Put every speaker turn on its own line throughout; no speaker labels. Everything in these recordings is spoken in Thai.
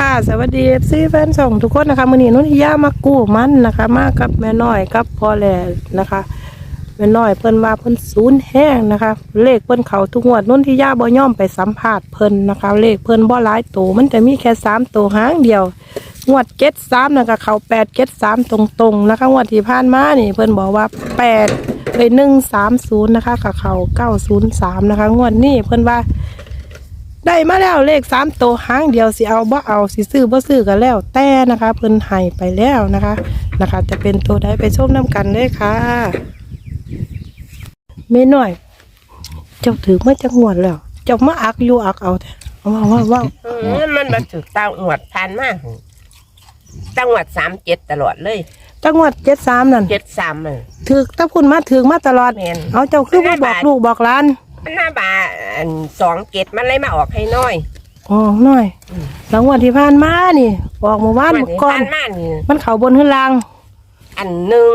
ค่ะสวัสดีFCแฟนช่องทุกคนนะคะมื้อนี้นุ่นทิยามากู้มันนะคะมากับแม่น้อยกับพ่อแหล่นะคะแม่น้อยเพิ่นว่าเพิ่นศูนย์แห้งนะคะเลขเพิ่นเข้าทุกงวดนุ่นทิยาบ่ยอมไปสัมภาษณ์เพิ่นนะคะเลขเพิ่นบ่หลายตัวมันจะมีแค่3ตัวหางเดียวงวด73นะคะเข้า873ตรงๆนะคะงวดที่ผ่านมานี่เพิ่นบอกว่า130นะคะกับเข้า903นะคะงวดนี้เพิ่นว่าได้มาแล้วเลข3ตัวหางเดียวสิเอาบ่เอาสิซื้อบ่ซื้อก็แล้วแต่นะคะเพิ่นให้ไปแล้วนะคะจะเป็นตัวใดไปชมน้ำกันเลยค่ะแม่น้อยเจ้าถือมาจากงวดแล้วเจ้ามาอักอยู่อักเอาแท้ว่า
มันมาถึงตาหวดทานมากจังหวัด37ตลอดเลย
จังหวัด73นั่น
73มัน
ถือถ้าคุณมาถือมาตลอดเอาเจ้าคือบ่บอกลูกบอกหลาน
มันหน้าบา27มันเลยมาออกให้น้อย
อ๋อน้อยหลังวันที่ผ่านมานี่ออกเมื่อวานก่อนมันเข้าบนขึ้นล่าง
อัน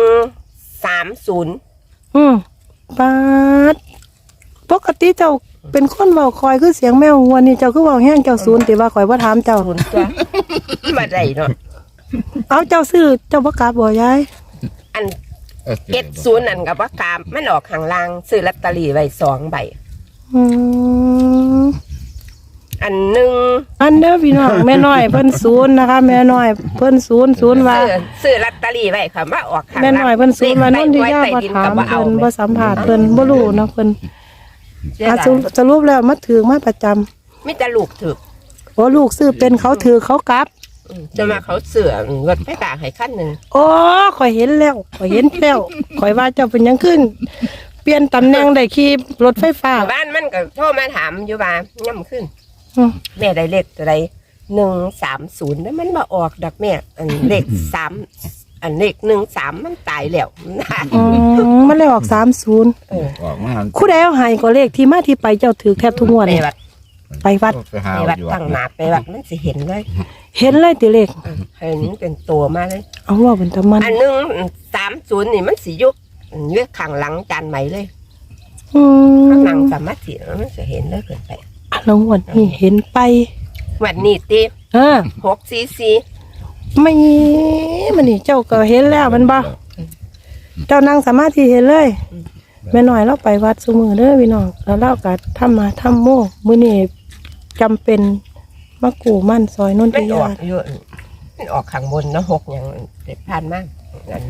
130
ปาดปกติเจ้าเป็นคนเว้าคอยคือเสียงแมววันนี้เจ้าคือเว้าแห้งเจ้าศูนย์ติว่าข่อยบ่ถามเจ้า
ศูนย์ตัวบ่ได้เนาะ
เอาเจ้าซื้อเจ้าบ่กลับบ่ยาย
อัน70นั่นก็บ่กลับมันออกข้างล่างซื้อลอตเตอรี่ไว้2ใบอันหนึ่ง
อันเด้อพี่น้องแม่น้อยเพิ่นศูนย์นะคะแม่น้อยเพิ่นศูนย์ว่า
ซื้อลอตเตอรี่ไว้ค่ะว่าออกข้าง
แม่น้อยเพิ่นศูนย์ว่านั่นที่ย่าบ่ถามเพิ่นบ่สัมภาษณ์เพิ่นบ่รู้เนาะเพิ่นสรุปแล้วมาถือมาประจำ
มีแต่ลูกถือ
โอ้ลูกซื้อเป็นเขาถือเขากลับ
จะมาเขาเสือรถไฟฟ้าให้คันนึง
โอ้ข่อยเห็นแล้วข่อยว่าเจ้าเป็นยังขึ้นเปลี่ยนตำแหน่งได้ขี่รถไฟฟ้า
บ้านมันก็โทรมาถามอยู่ว่าย่ำขึ้นแม่ได้เลขอะไร130แล้วมันมาออกดอกแม่อันเลข3อันเลข13มันตายแล้ว
มันเลยออก30
ออกมา
คู่ใดเอาให้ก็เลขที่มาที่ไปเจ้าถือแทบทุกงวดไปวัด
ตั้งหนาไปวัดมันสิเห็นเลย
ติเลข
เห็นเป็นตัวมาเลย
เอาว่าเป็นตะมัน
อัน130นี่มันสิยุกเลือกข้างหลังจานใหม่เลยข้างหลังสามารถสิมันจะเห็นเลยเกินไป
แล้ววันนี้เห็นไป
วันนี้ตี644
ไม่มันนี่เจ้าก็เห็นแล้วมันบ่เจ้านั่งสามารถที่เห็นเลยแม่น้อยเราไปวัดซุมือเด้อพี่น้องแล้วเราก็ทำมาทำโม่มื้อนี้จำเป็นมากูมั่นซอยนนทิยา
มันออกข้างบนเนาะ6อย่างเด็ดผ่านมากอัน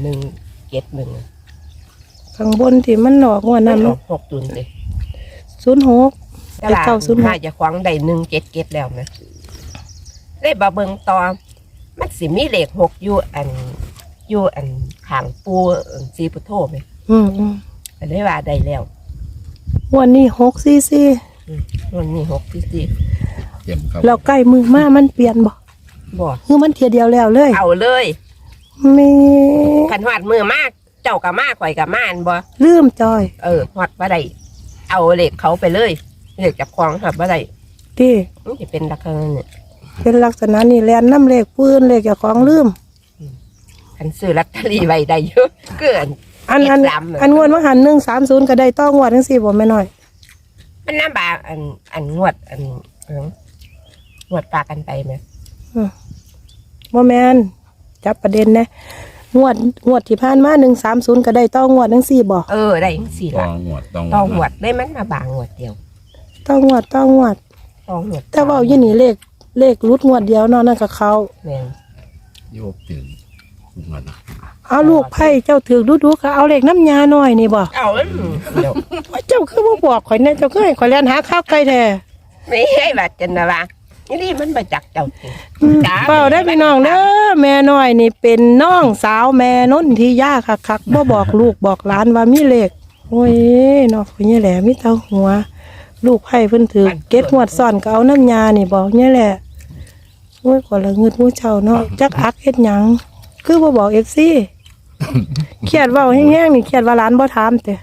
171
ข้างบนที่มันออกว่านั้น
6ตุนเลย
06
แต่906น่าจะขวางได้177แล้วนะได้บ่เบิ่งต่อมันสิมีเลข6อยู่อันข้างปูสีพุทโธมั้ยก็เลยว่าได้แล้ว
วันนี้644
วันนี้644
แล้วใกล้มือมามันเปลี่ยนบ่คือมันเทียเดียวแล้วเลย
เอาเลย
มี
ขันหอดมือมากเจ้ากับมาข่อยกับมาอันบ่
ลืมจอย
หอดบ่ได้เอาเหล็กเขาไปเลยเหล็กจับคลองหอดบ่ได้
ที่
มันจะเป็นลักษณะนี่
เป็นลักษณะนี่แลนน้ำเหล็กปืนเหล็กจากของลืม
ขันซื้อลอตเตอรี่ไว้ได้เยอะเกิน
อันงวดว่าหัน130ก็ได้ต้องงวดทั้ง4บ่แม่น้อย
มันน้ำบาอันงวดงวดปลากันไปไหม
บ่แม่นจับประเด็นนะงวดที่ผ่านมา130ก็ได้ต้องงวดทั้ง4บ่
ได้ทั้ง4ละต้องงวดได้มันมาบางงวดเดียว
ต้องงวดแต่ว่าอยู่นี่เลขรุดงวดเดียวเนาะนั่นก็เขา
แม่น
โยกถึงงวด
เอาลูกไผ่เจ้าถือดูๆค่ะเอาเลขน้ำยาหน่อยนี่บ่
เอาเดี๋ยว
เจ้าคือบ่บอกข่อยแน่เจ้าคือให้ข่อยเรียนหาข้าวไก่แท้
ไม่ให้บาดจันนะว่านี่มันไปจักเจ้า
เปล่าได้พี่น้องเด้อแม่น้อยนี่เป็นน้องสาวแม่นนทิยาคักบ่บอกลูกบอกหลานว่ามีเลขโอ้ยเนาะคนนี้แหละมีเต้าหัวลูกไผ่เพิ่นถือเก็ดงวดซ่อนก็เอาน้ำยานี่บอกนี่แหละโอ้ยกว่าละเงิดมูเช่าเนาะจักอักเฮ็ดหยังคือบ่บอก FC เครียดเว้าแห้งๆนี่เครียดว่าหลานบ่ถามแต่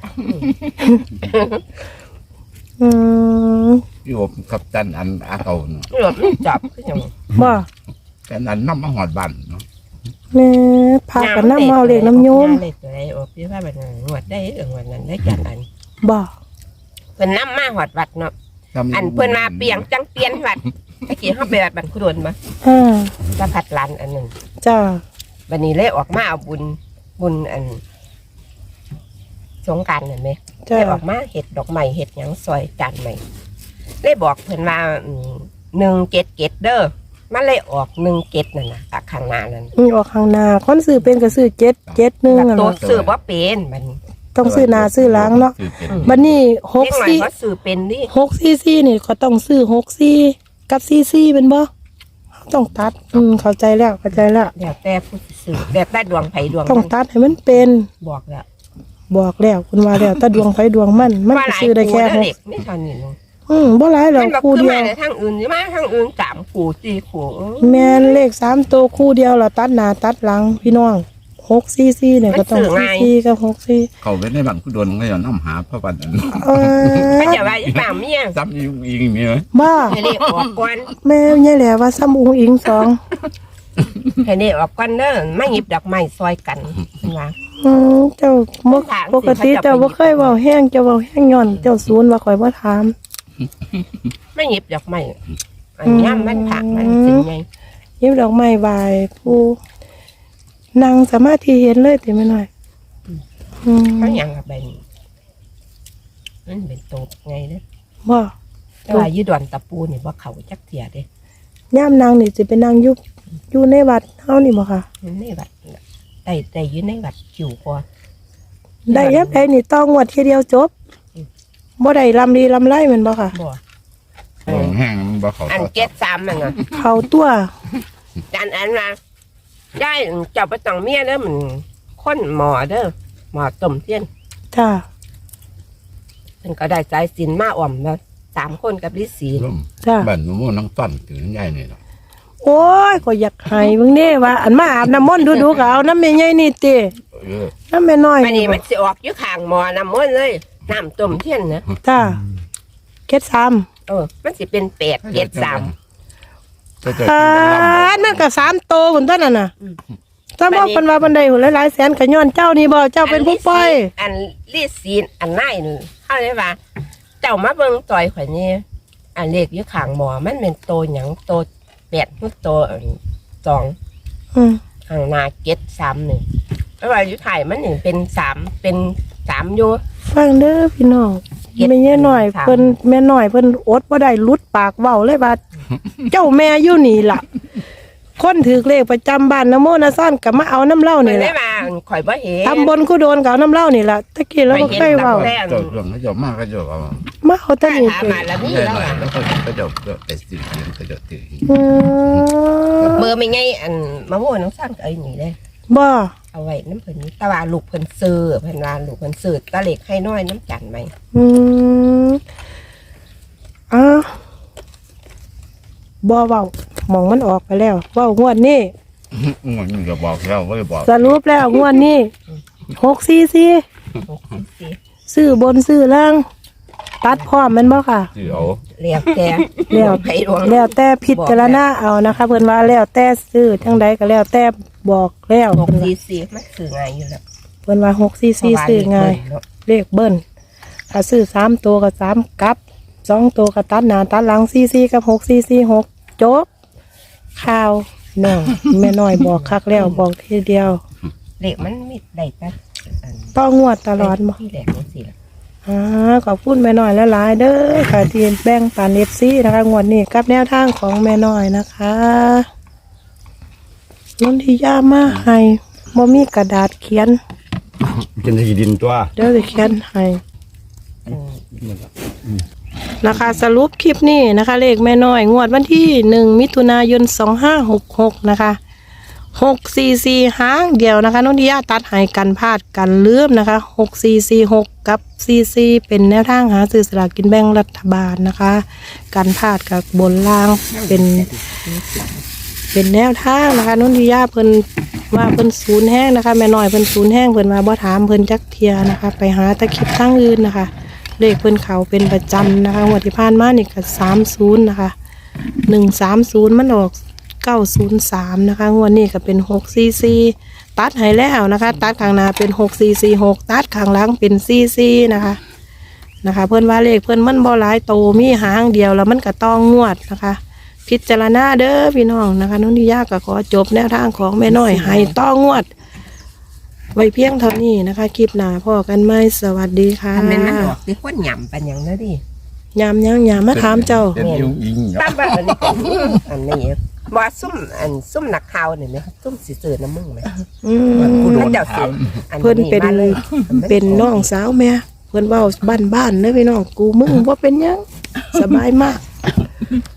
พี่อบกับตันอันอาเก่าเนาะ
หลบจับก็ยัง
บ่
แต่นั้นน้ำมาหอดบันเนาะ
แม่พากันน้ำเมาเล็กน้ำโยม
เล็กอะไรอบพี่ว่าแบบงวดได้งวดนั้นได้จัดอัน
บ่
เป็นน้ำมาหอดวัดเนาะอันเพิ่นมาเปลี่ยนจังเปลี่ยนวัดเมื่อกี้เขาไปบันคุดนมา
อ่า
สะพัดลันอันหนึ่ง
จ้า
วันนี้เลยออกมาเอาบุญอันสงกรานต์เห็นไหม
จ้า
เลยออกมาเห็ดดอกไม้เห็ดหยังซอยจานใหม่เลยบอกเพิ่นว่า177เด้อมันเลยออก17นั่นน่ะตะข้างหน้านั่น
ออกข้างหน้าคนซื้อเป็นก็ซื้อ771
แล้ว
อ่ะ
ตัว
เนาะ
ซื้อบ่เป็นมัน
ต้องซื้อหน้าซื้อหลังเนาะ
ซื้อเป็น
บัดนี้
เล็กหน่อยเขาซื้อเป็นดิ
644นี่ก็ต้องซื้อ64กับ44เป็นบ่ต้องตัดเข้าใจแล้วเข้าใจแล้ว
แล้วแต่ผู้ซื้อแบบได้ดวงไผดวง
ต้อง
มัน
ตัดให้มันเป็น
บอกแล้ว
บอกแล้วคุณว่าแล้วถ้าดวงไฟดวงมันก็
หลาย
ซื้อได้แค่
คู่
ห
เด็
ก
กไม่เท่านี้นึง
บ่หลายหรอก
มันบอก
คู่
คือ
เดีย
มาว ในทางอื่นใช่ไหมทางอื่น3คู่4คู่
แม่นเลข3ตัวคู่เดียวล่ะตัดหน้าตัดหลังพี่น้อง644เนี่ยก็ต้อง44กับ64
เขาไปในบ้านผู้โดนก็จะนำหาพระวันอัน
มันจะว่าอย่างเมีย
ซ้ำอีกมีไหม
บ้า
ให้เลขออกก่อน
แม่เนี่ยแหละว่าซ้ำอุ้งอิงสอง
ให้เลขออกก่อนเด้อไม่หยิบดอกไม้ซอยกันว่า
เจ้าบ่ปกติเจ้าบ่เคยเว้าแห้งเจ้าเว้าแห้งย้อนเจ้าศูนย์ว่าข่อยบ่ถาม
ไม่หยิบดอกไม้อันนี้มันผักมันสิไง
ยิ้มดอกไม้บายผู้นั่งสมาธิเห็นเลยติแม่น้อย
เขาอย่างกับเป็นมันเป็นโตบไงเด้อ
บ่
แต่ว่ายืดอนตะปูนี่ว่าเขาจักเทียเด้
ย่ามนางนี่สิไปนั่งอยู่ในวัดเฮานี่บ่ค่ะ
มันในวัดได้ยืนในวัดจิ๋วกว่า
ได้ยับได้นี่ต้องงวดทีเดียวจบบ่ได้ลำดีลำไรแมันบ่ค่ะ
บ่
แห้งมันบ่เขา
อัน73มันน่ะ
เขาตัว
อันว่าได้เจ้าไปต้องเมียเด้อมันคนหมอเด้อหมอต้มเทียน
จ้า
มันก็ได้ใจสินมาอ่อมแล้ว3คนกับฤาษี
ร่ม
จ้า
บ้านนู้นน้องต้นถึงใหญ่นี่หรอก
โอ้ยก็อยากให้เบิ่งเด้ว่า อันมาอาบน้ำมนต์ดูๆก็เอาน้ำแม่ใหญ่นี่ติ
เออ
น้ำแม่น้อย
อันนี้มันสิออกอยู่ข้างหมอน้ำมันต์เลยน้ำต้มเทียนนะ
จ้าเก็ดซ้
มันสิเป็น8 7 3
ก็จะ
ำนั่นก็3โตพุ่นต้นนั่นน่ะถ้าบอกเพิ่นว่าบันไดหุ่นหลายๆแสนก็ย้อนเจ้านี่บ่เจ้าเป็นผู้ปล่อย
อันฤาษีอันนายนี่เฮาเลยว่า เจ้ามาเบิ่งต่อยข่อยนี่อันเลขอยู่ข้างหมอมันเป็นโตหยังโต8คือโต2
อืม
ข้างหน้า7 3นี่เพราะว่าอยู่ไทยมันนี่เป็น3อยู่
ฟังเด้อพี่น้องแม่ใหญ่น้อยเพิ่นแม่น้อยเพิ่นอดบ่ได้หลุดปากเว้าเลยว่า เจ้าแม่อยู่นี่ล่ะ คนถือเลขประจำบ้านนะโมนะซ่อนก็มาเอาน้ำเหล้า
เพิ่
นี่
นได้
ล่ะ
มาข่อยบ่เห็น
ตำบลกูโดนก็เอาน้ำเหล้านี่ล่ะตะกี้เราบ่เคยเว้า
แม่น
เจ้าเรื่องเขาจะมากก็จะเอา
มาเอาแตะนี่
ถาม
ติ
มาแล้วมี
ใหญ่
แล้ว
หน่อย
อ่ะ
แล้วก็จะไปสิก็จะถือ
อืม
เบอร์ไม่ไงอันมะม่วงน้องสร้างเอ้ยนี่เลย
บ่
เอาไว้น้ำเพิ่นนี่ตะว่าลูกเพิ่นซื้อเพิ่นว่าลูกเพิ่นซื้อตะเล็กให้น้อยน้ำจันไหม
อืมอ้าวบ่เว้าหมองมันออกไปแล้วเว้างวดนี้
มันก็บอกแล้วว่าบอก
สรุปแล้วงวดนี้644ซื้อบนซื้อล่าง ตัดพร้อมแม่นบ่ค่ะ
ที่เอา
เรียกแต่
แล้ว
ไผดวง
แล้วแต่พิจารณาเอานะคะ เพิ่นว่าแล้วแต่ซื้อจังใดก็แล้วแต่บอกแล้ว
644มันซื้อง่ายอยู่แล้ว
เพิ่นว่า644ซื้อง่ายเลขเบิ้ลถ้าซื้อ3ตัวก็3กับ2ตัวก็ตัดหน้าตัดหลัง44กับ6446จบข่าวน้องแม่น้อยบอกคักแล้วบอกทีเดียว
เล็กมันมีได้แต่อัน
ต้องงวดตลอดบ่
ที่แหลกจังซี่ล่ะ
ขอบคุณแม่น้อยหลายๆเด้อค่ะที่แบ่งปัน FC นะคะงวดนี้กับแนวทางของแม่น้อยนะคะนนทิยามาให้บ่มีกระดาษเขียน
เป็นที่ดินตัว
เดี๋ยวจะเขียนให้นะคะสรุปคลิปนี้นะคะ เลขแม่น้อยงวดวันที่1 มิถุนายน 2566นะคะ644หางเดียวนะคะนนทิยาตัดใหายกันพลาดกันลืมนะคะ6446กับ44เป็นแนวทางหาซื้อสลากกินแบ่งรัฐบาลนะคะกันพลาดกับบนล่างเป็นแนวทางนะคะนนทิยาเพิ่นว่าเพิ่นศูนย์แห้งนะคะแม่น้อยเพิ่นศูนย์แห้งเพิ่นมาบ่ถามเพิ่นจักเทียนะคะ ไปหาตะคลิปทางอื่นนะคะ เลขเพิ่นเขาเป็นประจำนะคะงวดที่ผ่านมานี่ก็30นะคะ130มันออก903นะคะงวดนี้ก็เป็น644ตัดให้แล้วนะคะ ตัดข้างหน้าเป็น6446ตัดข้างหลังเป็น44นะคะเพิ่นว่าเลขเพิ่นมันบ่หลายโตมีหางเดียวแล้วมันก็ต้องงวดนะคะพิจารณาเด้อพี่น้องนะคะนุ่นที่ยากก็ขอจบแนวทางของแม่น้อยให้ต้องวด ไว้เพียงเท่านี้นะคะคลิปหน้าพ่อกันไหมสวัสดีค่ะ
ทำเป็นมันออกที่คนหย่ำเป็นอย่างนั้นดิ
ยามยังยามมาถามเจ้า
เป็นยุ่งยิง
ตั้งแบบอันนี้อันนี้บ่ซุ่มนักข่าวนี่ไหมซุ่มสิเสือน้ำมึงไหม
อืม
กูโดนถาม
เพิ่นเป็นน้องสาวแม่เพิ่นเว้าบ้านๆเด้อพี่น้องกูมึงบ่เป็นหยังสบายมาก